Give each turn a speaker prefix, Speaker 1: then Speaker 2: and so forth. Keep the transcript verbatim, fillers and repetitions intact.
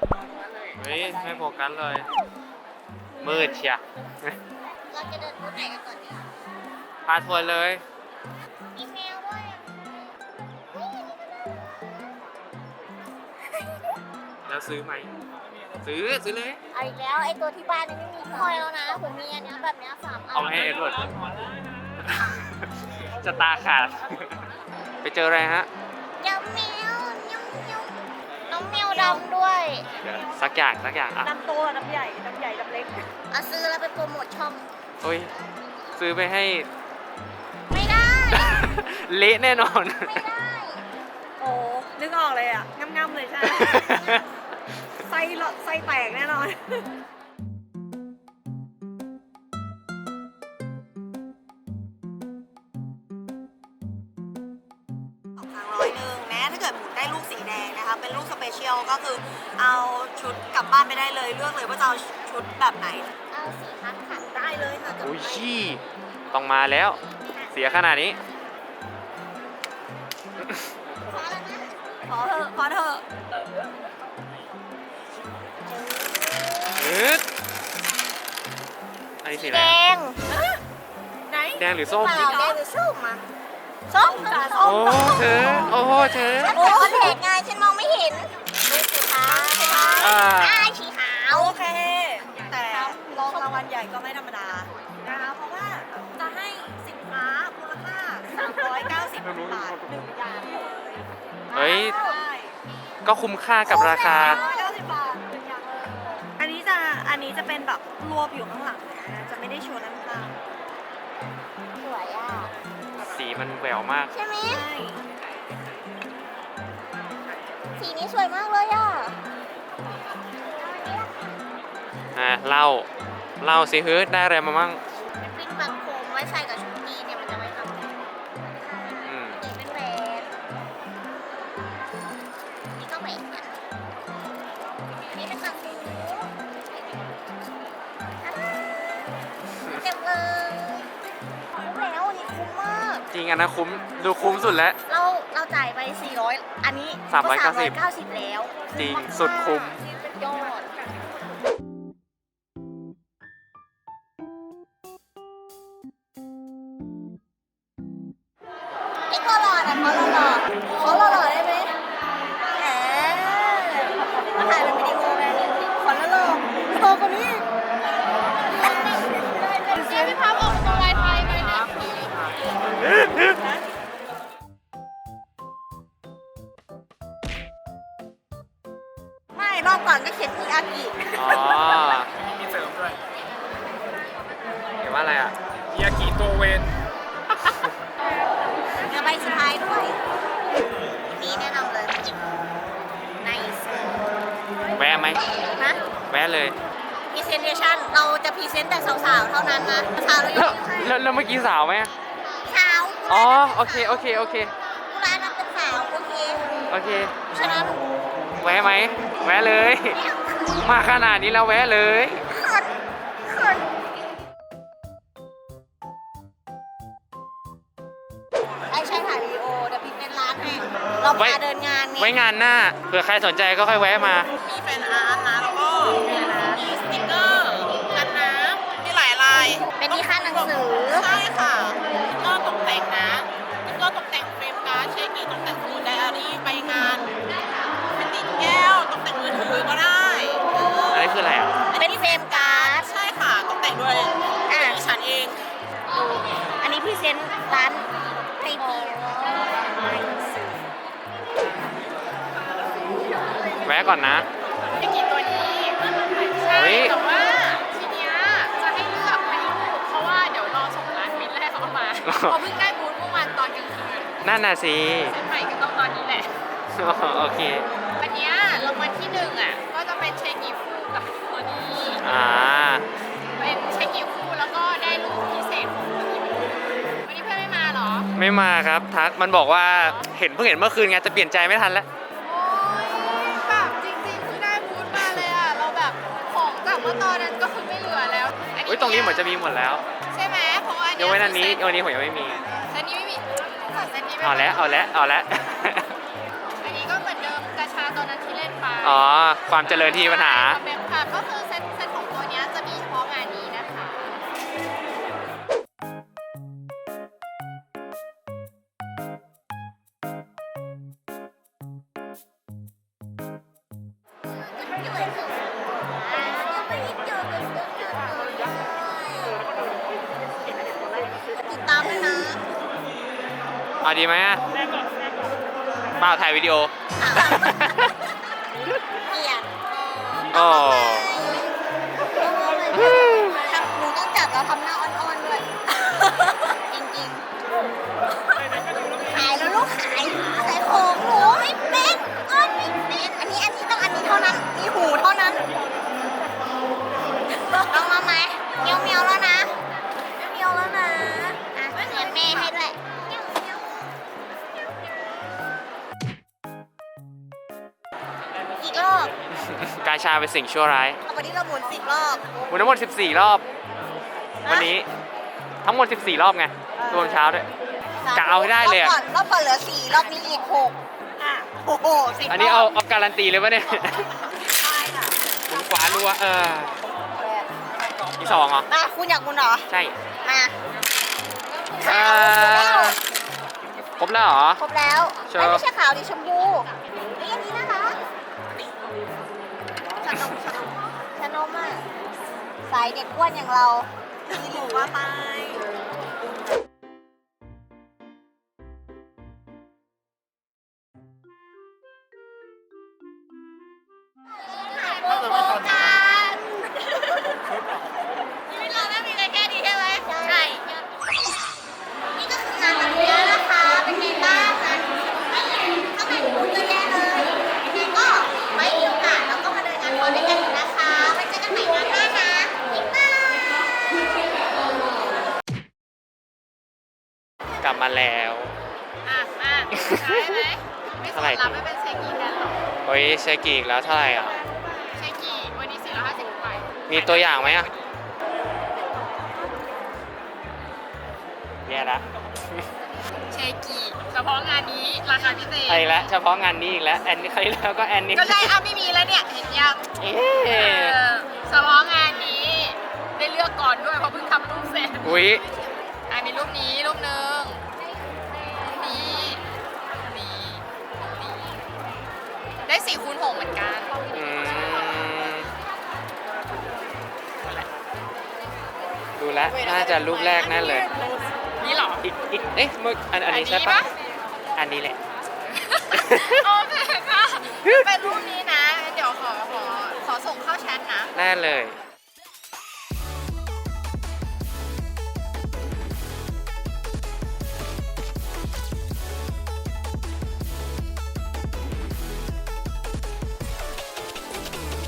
Speaker 1: เฮ้ยไม่โฟกัสเลยมืดเชีย
Speaker 2: เราจะเดินบูธไหนกันก่อนดี
Speaker 1: พาทัวร์เลย
Speaker 2: มีแมวด้วยเฮ้ยอันนี้ก็ได้
Speaker 1: แล้วซื้อไหมซื้อซื้อเลย
Speaker 2: เอาอีกแล้วไอ้ตัวที่บ้านนี่ไม่มีคอยแล้วนะผมมีอันเนี้ยแบบเนี้ยสามอัน
Speaker 1: เอาให้เอ็ดเวิร์ด จะตาขาด ไปเจออะไรฮะ
Speaker 2: เดี๋ยวแมวยุ่งยุ่งน้องแมวดำด้วย
Speaker 1: สักอย่างสักอย่างอ่ะ
Speaker 3: น้ำโตน้ำใหญ่น้ำใหญ่น้ำเล็ก
Speaker 2: เอาซื้อแล้วไปโปรโมทช่อง
Speaker 1: โอ้ยซื้อไปให้
Speaker 2: ไม่ได้
Speaker 1: เละแน่นอน
Speaker 2: ไม่ได้
Speaker 3: โอ้นึกออกเลยอ่ะง่ำๆเลยใช่ไหม ไส้ละไส้แตกแน่นอนสองครั้งร้อยหนึ่งแม้ถ้าเกิดหมุนได้ลูกสีแดงนะคะเป็นลูกสเปเชียลก็คือเอาชุดกลับบ้านไปได้เลยเลือกเลยว่าจะเอาชุดแบบไหน
Speaker 2: เอาสีพัดค่ะ
Speaker 3: ได้เลยค่ะจัด
Speaker 1: อุ้ย
Speaker 3: ไป
Speaker 1: ชี่ต้องมาแล้ว เสียขนาดนี้
Speaker 2: พอแล้วนะ
Speaker 3: พอเถอะพอเถอะ
Speaker 1: อึ๊ดอันนี้สีอะไร
Speaker 2: แด
Speaker 1: อะ
Speaker 2: ง
Speaker 3: ไหน
Speaker 1: แดงหรือส้ม
Speaker 2: เปล่าแดงหรือส้มอะ
Speaker 3: ส้มค่ะส้
Speaker 1: โอ้
Speaker 3: ม
Speaker 1: เธอ โอ้โหเธอ
Speaker 2: โอ้แดงไงฉันมองไม่เห็นดูสีขาวสีขาว
Speaker 1: อ่า
Speaker 2: อ่าสีขาว
Speaker 3: โอเค แต่รองรางวัลใหญ่ก็ไม่ธรรมดานะคะเพราะว่าจะให้สินค้ามูลค่าสามร้อยเก้าสิบบาทหนึ่งอย่างเลย
Speaker 1: เฮ้ย
Speaker 3: ใช่
Speaker 1: ก็คุ้มค่ากับราคา
Speaker 3: สามร้อยเก้าสิบบาทหนึ่งอย่างเลยอันนี้จะอันนี้จะเป็นแบบรวบอยู่ข้างหลังนะจะไม่ได้โชว์ด้านข้าง
Speaker 2: สวยอ่ะ
Speaker 1: สีมันแหววมาก
Speaker 2: ใช่ไหม
Speaker 3: ใช่
Speaker 2: สีนี้สวยมากเลยอ่ะ
Speaker 1: อ่ะเล่า เล่าสิเฮ้ยได้อะไรมามั่ง
Speaker 2: เป็นปิ้นบางโคมไว้ใส่กับชุดนี้เนี่ยมันจะไม่ทำ
Speaker 1: อืม
Speaker 2: นี่เป็นแหวนนี่ก็แหวนกันอันนี้เป็นบางหูเต็มเลยแล้วอันนี้คุ้มมาก
Speaker 1: จริงอันนะคุ้ม ดูคุ้มสุดแล้ว
Speaker 2: เราเราจ่ายไปสี่ร้อยอันนี้
Speaker 1: สามร้อยเก้าสิบ
Speaker 2: เก้าสิบแล้ว
Speaker 1: จริงสุดคุ้ม
Speaker 2: เป็นยอดนี่ก็หล่อนะเขาหล่อๆเขาหล่อๆได้ไหมแหมมาถ่ายเป็นวิดีโอไงขอหล่อๆโตกว่านี้เสียพี่พับออกตัวลายไทยเลยนะไม่รอบก่อนก็เขียนมีอากิ
Speaker 1: อ๋อ
Speaker 4: มีเสริมด้วย
Speaker 1: เห็นว่าอะไรอ่ะ
Speaker 4: ยากิโตเวน
Speaker 2: เดี๋ยวใบสุดท้ายด้วยนี่แนะนำเลยไนส์
Speaker 1: แวะไหม
Speaker 2: นะ
Speaker 1: แวะเลย
Speaker 2: พรีเซนเทชันเราจะพรีเซนต์แต่สาวๆเท่านั้นนะสาวเรายัง
Speaker 1: แล้ว
Speaker 2: ไม่
Speaker 1: แล้วแล้วเมื่อกี้สาวไหม
Speaker 2: สาว
Speaker 1: อ๋อ โอเค โอเค โอเค
Speaker 2: กุลานับเป็นสาวโอเค
Speaker 1: โอเค
Speaker 2: ฉะนั้น
Speaker 1: แวะไหม แวะเลย มาขนาดนี้แล้วแวะเลย
Speaker 2: เขินเขินไอ้ใช่ถ่ายวิดีโอเดี๋ยวพี่เป็นร้านให้เรา
Speaker 1: ไว้
Speaker 2: พาเดินงานไง
Speaker 1: ไว้งานหน้า เผื่อใครสนใจก็ค่อยแวะมา
Speaker 3: มีแฟนอาร์ตนะแล้วก็มีสติ๊กเกอร์กันน้ำมีหลายลาย
Speaker 2: เป็นที่ค่าหนังสือ
Speaker 3: ใช่ค่ะก็ตกแต่งนะก็ตกแต่งเฟรมการ์ดใช้กี่ตกแต่งสมุดไดอารี่ไปงานเป็นติดแก้วตกแต่งมือถือก็ได้เออ
Speaker 1: อันนี้คืออะไรอ่ะ
Speaker 2: เป็นเฟรมการ์ด
Speaker 3: ใช่ค่ะตกแต่งด้วย
Speaker 2: อ่ะ
Speaker 3: ดิฉันเอง
Speaker 2: อันนี้พรีเซนต์ร้านไอที
Speaker 1: แวะก่อนนะ
Speaker 5: ไม่กี่ตัวนี้ ใช่
Speaker 1: เฮ้ย
Speaker 5: แต่ว่าทีเนี้ยจะให้เลือกเป็นรูปเพราะว่าเดี๋ยวรอส่งร้านมินแรกเขามาเขาเพิ่งได้บูธเมื่อวานตอนกลางคืน
Speaker 1: นั่นน่ะสิ
Speaker 5: เซ็นใหม่ก็ต้องตอนนี้แหละ
Speaker 1: โอเค
Speaker 5: วันเนี้ยรางวัลที่หนึ่งอ่ะก็จะเป็นเชคกีฟูกับตัวนี้
Speaker 1: อ่า
Speaker 5: เป็นเชคกีฟูแล้วก็ได้รูปพิเศษของตัวนี้วันนี้เพื่อนไม่มาเหรอ
Speaker 1: ไม่มาครับ ทัก มันบอกว่า เห็นเพิ่งเห็นเมื่อคืนไง จะเปลี่ยนใจไม่ทันแล้ว
Speaker 5: โอ้ยแบบจริงๆเพิ่งได้บูธมาเลยอ่ะเราแบบของจากเมื่อตอนนั้นก็คือไม่เหลือแล้ว
Speaker 1: อุ้ยตรงนี้เหมือนจะมีหมดแล้ว
Speaker 5: ใช่ไหมเพราะว่าอัน
Speaker 1: ย
Speaker 5: เนี้
Speaker 1: ก
Speaker 5: ย
Speaker 1: เว้นอันนี้วันนี้ผมยังไม่มี
Speaker 5: เซตนี้ไม่มีเซตนี้ไม่มี
Speaker 1: เอาแล้ว เอาแล้ว เอาแล้ว
Speaker 5: อันนี้ก็เหมือนเดิมกระชาตอนนั้นที่เล่นไป
Speaker 1: อ๋อ ความเจริญที่มีปัญหา
Speaker 5: ค่ะก็คือเซตเซตของตัวเนี้ยจะมีเฉพาะงานนี้นะคะ
Speaker 2: ติดตามด้วยนะ
Speaker 1: เอาดีไหมอะเปล่าถ่ายวิดีโอ
Speaker 2: เกลียด
Speaker 1: โอ้
Speaker 2: ทำหนูต้องจับแล้วทำหน้าอ่อนๆด้วย จริงๆ ขายแล้วลูกขายขายของหนูไม่เป็นอ้อนไม่เป็นอันนี้อันนี้ต้องอันนี้เท่านั้นมีหูเท่านั้นเอามาไหมเมียวเมียวแล้วนะเมียวแล้วนะอ่ะเงินแม่ให้ด้วยอีกรอบ
Speaker 1: กาชาเป็นสิ่งชั่วร้าย
Speaker 2: เอาวันนี้เราหมุนสิบรอบ
Speaker 1: หมุนทั้งหมดสิบสี่รอบ วันนี้ทั้งหมดสิบสี่รอบไง รวมเช้าด้วย กะเอาให้ได้เลยอะ
Speaker 2: รอบก่อนรอบก่อนเหลือสี่รอบนี้อีกหกอ่ะโอ้โหสิบ
Speaker 1: อันนี้เอา
Speaker 2: รบ
Speaker 1: เอาการันตีเลยปะเนี่ย
Speaker 2: ใช่ค่ะ
Speaker 1: หมุนขวารัวเออที่สองเหรอ
Speaker 2: มาคุณอยากหมุนเหรอ
Speaker 1: ใช่
Speaker 2: มา
Speaker 1: เอ่
Speaker 2: ขาว
Speaker 1: อ ครบแล้วเหรอ
Speaker 2: ครบแล้ว
Speaker 1: เชิญ
Speaker 2: เอ้ยไม่ใช่ขาวดิชมพูนี่อันนี้นะคะชานมชานมชานมอ่ะสายเด็กอ้วนอย่างเรามีหนูว่าไปโอ้โหกันชีวิตเราไม่มีอะไรแค่นี้ใช่ไหมใช่ นี่ก็คืองานวันนี้นะคะ เป็นไงบ้างงานข้างในพูดเยอะแยะเลยยังไงก็ไว้มีโอกาสเราก็มาเดินงานคอนด้วยกันอีกนะคะไว้เจอกันใหม่งานหน้านะบ๊ายบาย
Speaker 1: กลับมาแล้ว
Speaker 5: อ่ะอ่ะใช่ไหมไม่ส
Speaker 1: เท่าไหร่
Speaker 5: นรับไม่เป็นเชกีแทนหรอ
Speaker 1: โอ้ยเชกิอีกแล้วเท่าไหร่อ่ะ
Speaker 5: เชกีวันนี้สี่ร้อยห้าสิบไป
Speaker 1: มีตัวอย่างไหมอ่ะเนี่ยละ
Speaker 5: เชกีเฉพาะงานนี้ราคาพิเศษ
Speaker 1: ไอ้ละเฉพาะงานนี้อีกแล้ว แอนนี่ใครแล้วก็แอนนี่
Speaker 5: ก็ได้อ่ะไม่มีแล้วเนี่ยเห็นยัง
Speaker 1: เอ๊
Speaker 5: เอะ อเฉพาะงานนี้ได้เลือกก่อนด้วยเพราะเพิ่งทำรูปเสร็จ
Speaker 1: อุ้ย
Speaker 5: อ่ะมีรูปนี้รูปหนึ่งรูปนี้รูปนี้รูปนี้ได้สี่คูณหกเหมือนกัน
Speaker 1: อืมดูแลวน่าจะรูปแรกแน่เลย
Speaker 5: นี่เหรอ
Speaker 1: อีกอีกเอ๊ะเมื่ออันอันนี้
Speaker 5: อันนี้
Speaker 1: ใช่ปะ
Speaker 5: ปะ
Speaker 1: อันนี้แหละ
Speaker 5: โอเคค่ะ เป็นรูปนี้นะ เดี๋ยวขอขอขอส่งเข้าแชทนะ
Speaker 1: แน่เลย
Speaker 5: โ